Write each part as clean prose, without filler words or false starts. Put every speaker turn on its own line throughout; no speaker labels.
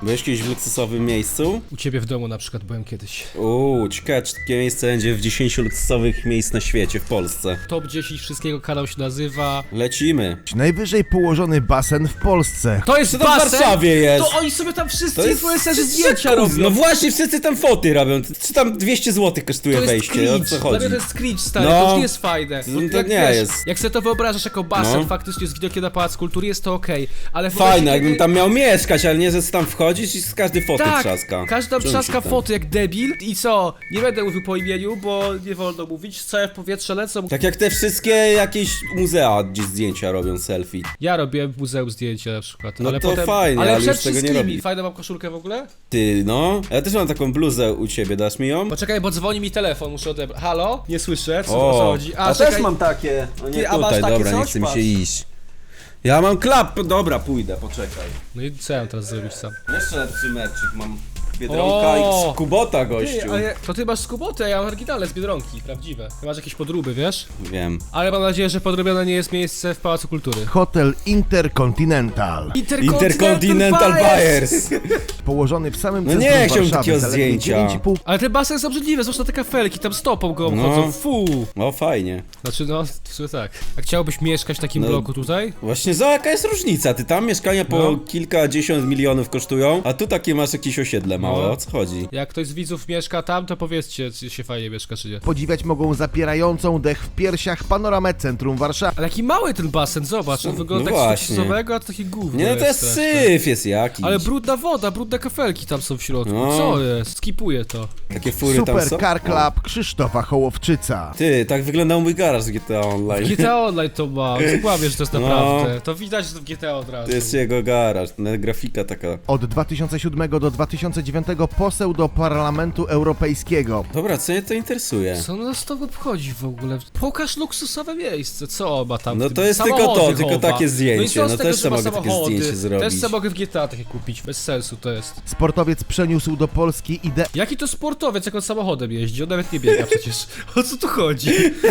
Byłeś kiedyś w luksusowym miejscu?
U ciebie w domu na przykład byłem kiedyś.
Ciekawe, czy takie miejsce będzie w 10 luksusowych miejsc na świecie, w Polsce.
Top 10 wszystkiego kanał się nazywa.
Lecimy.
Najwyżej położony basen w Polsce.
To jest
Co to w
basen?
Warszawie jest?
To oni sobie tam wszyscy
To jest
influencerzy zdjęcia robią.
No właśnie, wszyscy tam foty robią. Czy tam 200 zł kosztuje
To jest
wejście? O
cringe.
co
Dla
chodzi?
mnie to jest cringe, stary,
No.
to już nie jest fajne.
No
Bo
to
jak,
nie
wiesz,
jest.
Jak sobie to wyobrażasz jako basen,
No.
faktycznie z widokiem na Pałac Kultury, jest to okej. Ale w
Fajne,
momencie,
jakbym
kiedy-
tam miał mieszkać, ale nie, że tam wchodzisz i z każdej foty
Tak,
trzaska.
każda
Czym
trzaska
się tam?
foty jak debil i co? Nie będę mówił po imieniu, bo nie wolno mówić, całe w powietrze lecą.
Tak jak te wszystkie jakieś muzea, gdzie zdjęcia robią selfie.
Ja robiłem w muzeum zdjęcia na przykład,
No
ale
to
potem...
fajnie,
ale
ale
przed
już tego nie
wszystkimi,
robi.
fajną mam koszulkę w ogóle?
Ty, no. Ja też mam taką bluzę u ciebie, dasz mi ją?
Poczekaj, bo dzwoni mi telefon, muszę odebrać. Halo? Nie słyszę, co o co chodzi?
A
czekaj.
też mam takie. O nie,
Ty, a masz
tutaj,
takie
dobra, nie
coś?
chce mi
Patrz.
się iść. Ja mam klap, dobra, pójdę, poczekaj.
No i co ja mam teraz zrobić sam?
Jeszcze lepszy merczyk mam. Biedronka
O!
X Kubota, gościu.
Ty, ale to ty masz skuboty, a ja mam oryginalne z Biedronki, prawdziwe. Ty masz jakieś podróby, wiesz?
Wiem.
Ale mam nadzieję, że podrobione nie jest miejsce w Pałacu Kultury.
Hotel Intercontinental.
Intercontinental Buyers.
Położony w samym
No
centrum
nie chciałbym
Warszawy,
takiego
zaledwie
zdjęcia.
9,5
Ale ten basen jest obrzydliwy, zwłaszcza te kafelki, tam stopą go
No.
obchodzą, fu!
O, fajnie.
Znaczy no, w sumie tak. A chciałbyś mieszkać w takim
No.
bloku tutaj?
Właśnie za jaka jest różnica? Ty tam mieszkania po
No.
kilkadziesiąt milionów kosztują, a tu takie masz jakieś osiedle małe,
No.
o co chodzi?
Jak ktoś z widzów mieszka tam, to powiedzcie, czy się fajnie mieszka, czy nie.
Podziwiać mogą zapierającą dech w piersiach panoramę centrum Warszawy.
Ale jaki mały ten basen, zobacz, on wygląda
No
tak
właśnie.
stosowego, a to takie gówno
Nie, no to jest
straszne.
syf jest jakiś.
Ale brudna woda, brudne kafelki tam są w środku,
No.
co jest? Skipuję to.
Takie fury tam
Super
są.
Car
O.
Club Krzysztofa Hołowczyca.
Ty, tak wyglądał mój garaż z GTA Online.
GTA Online to ma, co kłamiesz, że to jest
No.
naprawdę. To widać, że to w GTA od razu.
To jest jego garaż, grafika taka.
Od 2007 do 2009 poseł do Parlamentu Europejskiego.
Dobra, co mnie to interesuje?
Co nas to obchodzi w ogóle? Pokaż luksusowe miejsce, co ma tam w
No
tym?
to jest tylko
Samochody
to, tylko
chowa.
takie zdjęcie.
No i co z
No
tego,
też
że
sobie
ma
mogę takie
samochody?
zdjęcie zrobić.
Też sobie mogę w GTA takie kupić, bez sensu to jest.
Sportowiec przeniósł do Polski ideę
Jaki to sportowiec, jak on samochodem jeździ? On nawet nie biega przecież. O co tu chodzi?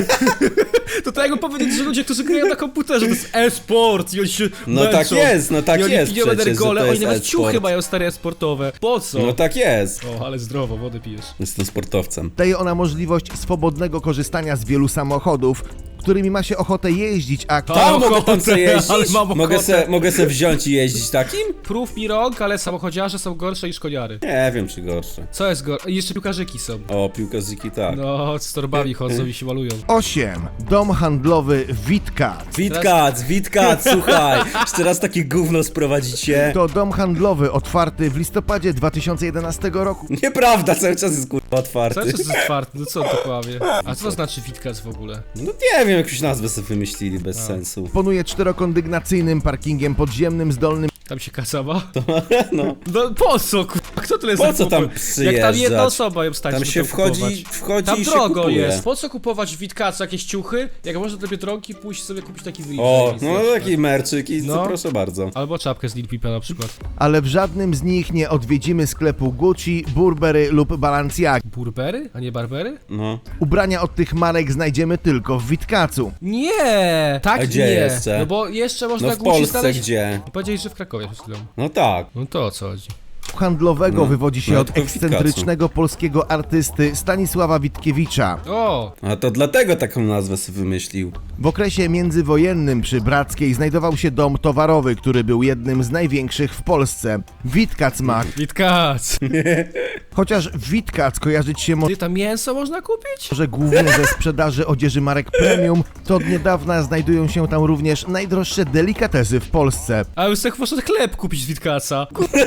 To tak jakby powiedzieć, że ludzie, którzy grają na komputerze, to jest e-sport i oni się
No
męczą.
tak jest, no tak
I oni
jest
piją
przecież, że
energole,
to
oni
jest
nawet
e-sport.
ciuchy mają stare sportowe. Po co?
No tak jest.
O, ale zdrowo, wodę pijesz.
Jestem sportowcem.
daje ona możliwość swobodnego korzystania z wielu samochodów, którymi ma się ochotę jeździć, a
Mam
Tam mogę
ochotę,
tam sobie
ale
jeździć?
mam ochotę.
Mogę se wziąć i jeździć takim?
Prób mi rąk, ale samochodziarze są gorsze niż koniary.
Nie wiem, czy gorsze.
Co jest gorsze? I jeszcze piłkarzyki są.
O, piłkarzyki tak.
No, z torbami chodzą i się malują.
8. Dom handlowy Witkat.
Witkac, słuchaj. Jeszcze raz takie gówno sprowadzicie.
To dom handlowy otwarty w listopadzie 2011 roku.
Nieprawda, cały czas jest kurwa
Co
otwarty.
jest otwarty? No co on to kłamie? A co to znaczy Witkac w ogóle?
No nie wiem, jakąś nazwę sobie wymyślili bez sensu.
Dysponuje czterokondygnacyjnym parkingiem podziemnym z dolnym
Tam się kasała?
No.
No po co, kurwa? Kto tyle
Po co tam
Jak tam
przyjeżdżać?
jedna osoba ją stać,
Tam
żeby
się
to kupować.
wchodzi
Tam
i się
drogo
kupuje.
jest. Po co kupować w Witkacu jakieś ciuchy, jak można do Biedronki pójść sobie kupić taki wyjście?
O, no taki merczyk i
No.
co proszę bardzo.
Albo czapkę z Lil Peepa na przykład.
ale w żadnym z nich nie odwiedzimy sklepu Gucci, Burberry lub Balenciagi.
Burbery? A nie Barbery?
No.
Ubrania od tych marek znajdziemy tylko w Witkacu.
Nie! Tak
A gdzie
nie.
jeszcze?
No bo jeszcze można
No w
Gucci
Polsce
znaleźć...
gdzie?
Powiedziałeś, że w Krakowie przed chwilą.
No tak.
No to o co chodzi?
Handlowego
No.
wywodzi się
No,
od
tylko w Witkacu.
ekscentrycznego polskiego artysty Stanisława Witkiewicza.
O!
A to dlatego taką nazwę sobie wymyślił.
W okresie międzywojenne przy Brackiej znajdował się dom towarowy, który był jednym z największych w Polsce. Witkac ma,
Witkac!
chociaż Witkac kojarzyć się
Ty tam mięso można kupić?
może głównie ze sprzedaży odzieży marek premium, to od niedawna znajdują się tam również najdroższe delikatesy w Polsce.
A już tak można chleb kupić z Witkaca.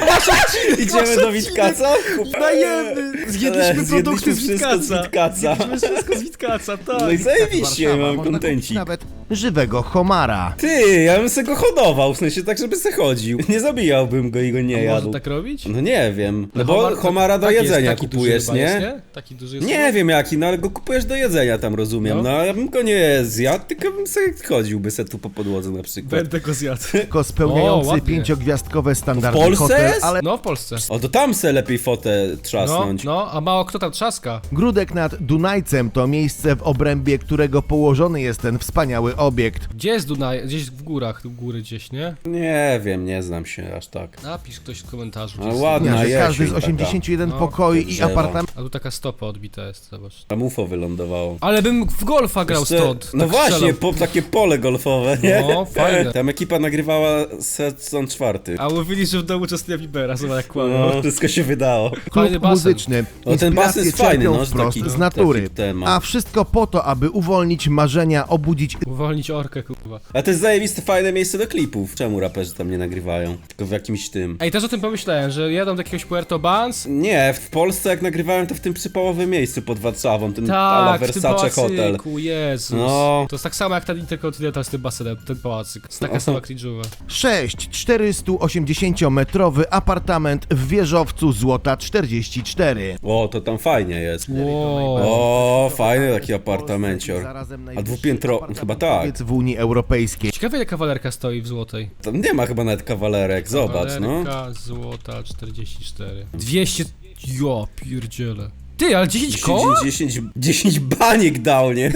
Idziemy do Witkaca?
Dajemy! Zjedliśmy produkty z
wszystko z
Witkaca.
Witkaca.
Zjedliśmy wszystko z Witkaca, tak.
No i zajebiście,
Warszawa,
mam
można kupić
kontencik.
nawet żywego homara.
Ty, ja bym se go hodował, w sensie tak, żeby se chodził. Nie zabijałbym go i go nie jadł.
Można tak robić?
No nie wiem, no bo homara do
tak jest,
jedzenia
taki duży
kupujesz,
chyba
nie?
jest, nie? Taki duży jest
Nie wiem jaki, no ale go kupujesz do jedzenia tam, rozumiem.
No.
No, ja bym go nie zjadł, tylko bym sobie chodziłby se tu po podłodze na przykład.
Będę go zjadł.
Tylko
O,
spełniający
ładnie.
5-gwiazdkowe standardy
W Polsce
hotel,
jest?
ale
No, w Polsce.
O, to tam se lepiej fotę
No,
trzasnąć.
no, a mało kto tam trzaska.
Gródek nad Dunajcem to miejsce w obrębie którego położony jest ten wspaniały nowy obiekt.
Gdzie jest Dunaj? Gdzieś w górach, u góry gdzieś, nie?
Nie wiem, nie znam się aż tak.
Napisz ktoś w komentarzu.
Ale
gdzie
ładna
Że
jesień
każdy z
taka.
81
No,
pokoi i
drzewa.
apartament
A tu taka stopa odbita jest, zobacz.
Tam UFO wylądowało.
Ale bym w golfa grał
Jeszcze-
stąd.
No
tak
właśnie,
strzelam.
takie pole golfowe, nie?
No, fajne.
Tam ekipa nagrywała sezon 4.
A mówili, że w domu Justina Biebera, zobacz jak kłamał.
No, wszystko się wydało.
klub
Fajny basen.
muzyczny.
O, ten basen jest fajny,
czerpią
no, że
wprost
taki-
z natury.
taki temat.
A wszystko po to, aby uwolnić marzenia, obudzić
Uwolnić orkę, kurwa.
Ale to jest zajebiste, fajne miejsce do klipów. Czemu raperzy tam nie nagrywają? Tylko w jakimś tym.
Ej, też o tym pomyślałem, że jadą do jakiegoś Puerto Banz.
Nie, w Polsce jak nagrywałem to w tym przypałowym miejscu pod Warszawą, ten ala
Tak, w tym
Versace Hotel.
pałacyku, Jezus.
No.
To jest tak samo jak ten Intercontinental z tym basenem, ten pałacyk. To jest taka sama cringe'owa.
6 480-metrowy apartament w wieżowcu Złota 44.
O, to tam fajnie jest.
Wow.
O, fajny taki apartamencior.
Zarazem
A
najwyższy
dwupiętro... chyba tak.
apartamentowiec w Unii Europejskiej.
Ciekawe ile kawalerka stoi w złotej.
Tam nie ma chyba nawet kawalerek, zobacz, no.
Kawalerka złota 44. 200... Jo, pierdziele. Ty, ale 10 koła?
10 baniek dał, nie?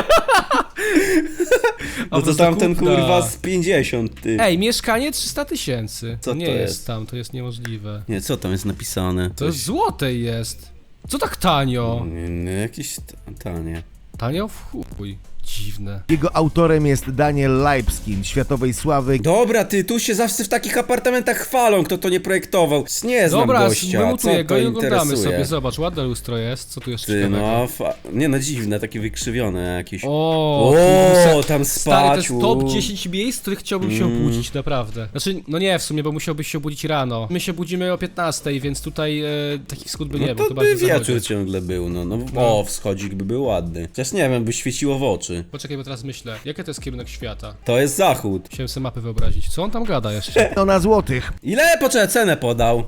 A
No to
prosta
tamten
kupna.
kurwa z 50, ty.
Ej, mieszkanie 300 000.
Co
nie
to
jest
jest?
tam, to jest niemożliwe.
Nie, co tam jest napisane?
To jest złotej jest. Co tak tanio?
Nie, jakieś tanie.
Tanio w chuj. Dziwne.
Jego autorem jest Daniel Leibskin, światowej sławy.
Dobra, ty, tu się zawsze w takich apartamentach chwalą, kto to nie projektował. Nie znam
Dobra,
gościa, co
wymutuję go
to
i oglądamy
interesuje?
sobie. Zobacz, ładne lustro jest. Co tu jeszcze
Ty,
ciekawego?
no, nie no, dziwne, takie wykrzywione jakieś.
O,
Tam
stary, to jest
spać,
top 10 miejsc, w których chciałbym się
Mm.
obudzić, naprawdę. Znaczy, no nie w sumie, bo musiałbyś się obudzić rano. My się budzimy o 15, więc tutaj takich wschód by nie
No
było,
to
bardziej
by
w zachodzie.
wieczór ciągle był, no.
No.
O, wschodzik by był ładny. Chociaż nie wiem, by świeciło w oczy.
Poczekaj, bo teraz myślę, jaki to jest kierunek świata?
To jest zachód.
Musiałem sobie mapy wyobrazić. Co on tam gada jeszcze?
Miliona złotych.
Ile? Poczekaj, cenę podał.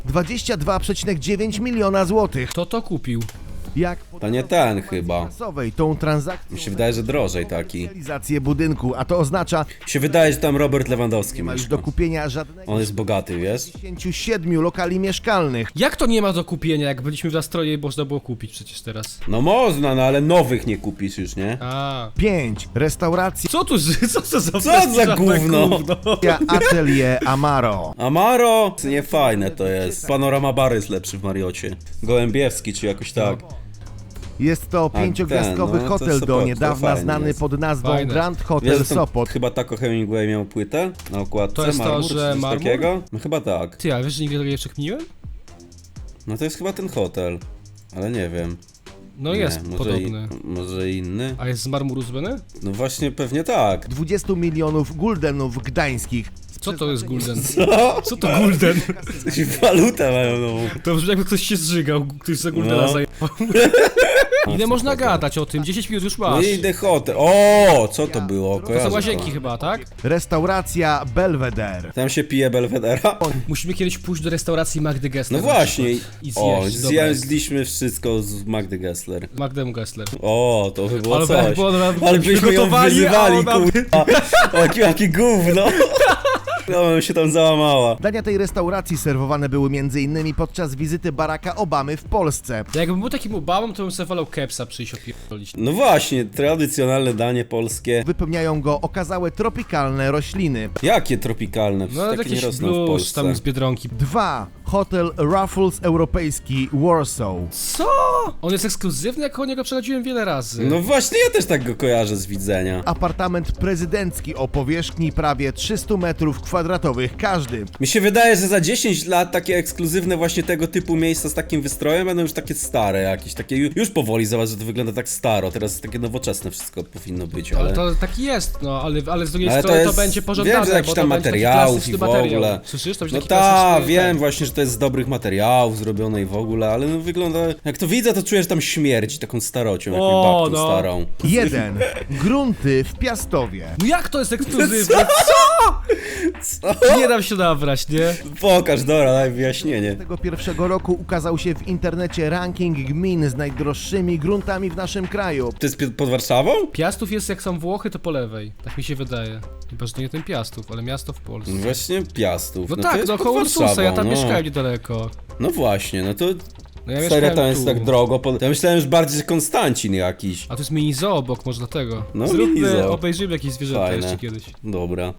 22,9 miliona złotych.
Kto to kupił?
Jak
To nie ten chyba.
finansowej tą transakcją
Mi się wydaje, że drożej taki.
realizację budynku, a to oznacza,
Mi się wydaje, że tam Robert
nie
Lewandowski
ma już
mieszka.
do kupienia żadnego
On jest bogaty, wiesz?
57 lokali mieszkalnych.
Jak to nie ma do kupienia, jak byliśmy w Astroje i można było kupić przecież teraz?
No można, no ale nowych nie kupisz już, nie?
A.
5 restauracja
Co tu, co to za
za gówno?
Atelier Amaro.
Amaro? Nie fajne to jest. Panorama Bar jest lepszy w Mariocie. Gołębiewski czy jakoś tak.
Jest to
ten,
5-gwiazdkowy
no, to
hotel
Sopot,
do
to
niedawna
fajnie
znany
jest.
pod nazwą
Fajne.
Grand
Wiesz,
Hotel
że to
Sopot.
chyba Taco Hemingway miał płytę na okładce?
To jest to,
marmur,
że
czy coś
marmur?
takiego? No chyba tak.
Ty, a wiesz, że nigdy tego nie przekminiłem?
No to jest chyba ten hotel. Ale nie wiem.
No
Nie,
jest podobny.
Może inny?
A jest z marmuru zrobiony?
No właśnie, pewnie tak.
20 milionów guldenów gdańskich.
Co to jest gulden?
Co?
Co to gulden?
Jakąś walutę mają nową.
To brzmi jakby ktoś się zżygał, ktoś za guldena
No.
zajebał. Ile można gadać o tym? 10 minut już
No
masz.
i The Hotel. O, co to było?
To
Kojarzę
są
to.
łazienki chyba, tak?
Restauracja Belvedere.
Tam się pije Belvedera.
Musimy kiedyś pójść do restauracji Magdy Gessler.
No
na
właśnie.
przykład. I
O,
zjeść, dobra jest.
zjedliśmy wszystko z Magdy Gessler.
Magdę Gessler.
O, to by było
Ale
coś.
jakby ona
Ale byśmy ją
przygotowali,
wyzywali,
a ona-
kurwa. Jakie gówno. No, bym się tam załamała.
Dania tej restauracji serwowane były m.in. podczas wizyty Baracka Obamy w Polsce.
Jakbym był takim Obamą, to bym sobie wolał kepsa przyjść opierdolić.
No właśnie, tradycjonalne danie polskie.
Wypełniają go okazałe tropikalne rośliny.
Jakie tropikalne?
No
Takie nie
jakiś
rosną w
blues
Polsce.
tam z Biedronki.
2. Hotel Raffles Europejski Warsaw.
Co? On jest ekskluzywny, jak o niego przechodziłem wiele razy.
No właśnie, ja też tak go kojarzę z widzenia.
Apartament prezydencki o powierzchni prawie 300 metrów kwadratowych każdy.
Mi się wydaje, że za 10 lat takie ekskluzywne właśnie tego typu miejsca z takim wystrojem będą już takie stare jakieś, takie już powoli, zobacz, że to wygląda tak staro, teraz takie nowoczesne wszystko powinno być, ale...
Ale to taki jest, no, ale z drugiej
Ale to
strony to
jest-
będzie pożądane,
wiem, że jakiś
bo
tam
to będzie taki
materiałów
klasyczny
i w
materiał.
ogóle.
Słyszysz? To będzie
No
taki
tak,
klasyczny,
wiem
ten.
właśnie, że to jest z dobrych materiałów zrobione i w ogóle, ale no wygląda... Jak to widzę, to czuję, że tam śmierdzi taką starocią, jakąś
O,
babką
no.
starą.
1. Grunty w Piastowie.
No jak to jest ekskluzywne?
Co?
Nie dam się nabrać, nie?
Pokaż, dobra, daj wyjaśnienie.
Tego pierwszego roku ukazał się w internecie ranking gmin z najdroższymi gruntami w naszym kraju.
To jest pod Warszawą?
Piastów jest jak są Włochy, to po lewej. Tak mi się wydaje. Chyba, że to nie ten Piastów, ale miasto w Polsce.
Właśnie Piastów.
No
to
tak,
jest
no
pod
koło Ursusa, ja
Warszawą,
tam
no.
mieszkałem niedaleko.
No właśnie, no to
No ja
Serio,
mieszkałem
tam jest
tu.
tak drogo. Ja myślałem, że bardziej że Konstancin jakiś.
A tu jest mini zoo obok, może dlatego.
No, mini
Zróbmy,
zoo.
obejrzymy jakieś zwierzęta
Fajne.
jeszcze kiedyś.
Dobra.